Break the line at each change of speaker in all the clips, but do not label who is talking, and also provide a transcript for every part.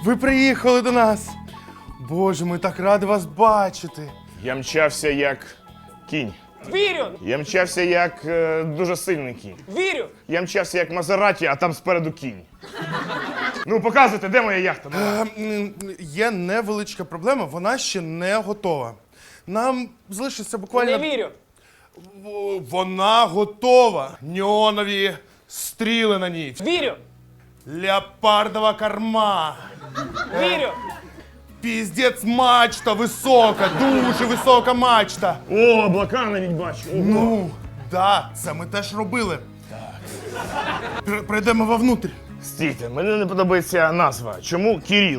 Ви приїхали до нас. Боже, ми так раді вас бачити.
Я мчався як кінь.
Вірю!
Я мчався як дуже сильний кінь.
Вірю!
Я мчався як Мазераті, а там спереду кінь. Ну, показуйте, де моя яхта?
Є невеличка проблема, вона ще не готова. Нам залишиться буквально...
Не вірю!
Вона готова. Неонові стріли на ній.
Вірю!
Леопардова корма.
Вірю!
Піздець мачта висока, дуже висока мачта.
О, облака навіть бачу. Ого.
Ну, да, це ми теж робили. Так. Прийдемо вовнутрь.
Стійте, мені не подобається назва. Чому Кирил?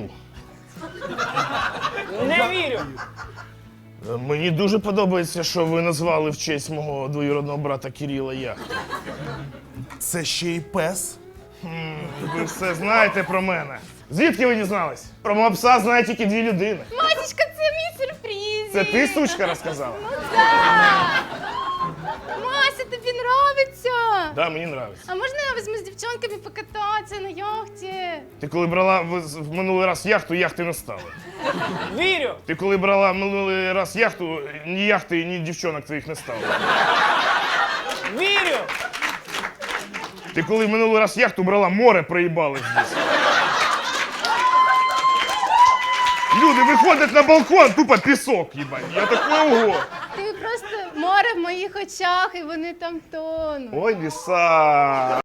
Не вірю!
Мені дуже подобається, що ви назвали в честь мого двоюродного брата Кирила яхту.
Це ще й пес.
Ви все знаєте про мене. Звідки ви дізнались? Про мого пса знає тільки 2 людини.
Масечка, це мій сюрприз.
Це ти, сучка, розказала?
Мася, тобі нравиться?
Да, мені подобається.
А можна я візьму з дівчонками покататися на яхті?
Ти коли брала в минулий раз яхту, яхти не стало.
Вірю!
Ти коли брала в минулий раз яхту, ні яхти, ні дівчонок твоїх не стало.
Вірю!
Ти коли в минулий раз яхту брала, море проїбали здесь. Люди виходять на балкон, тупо пісок, їбать. Я такой, ого.
Ти просто море в моїх очах, і вони там тонуть.
Ой, ліса.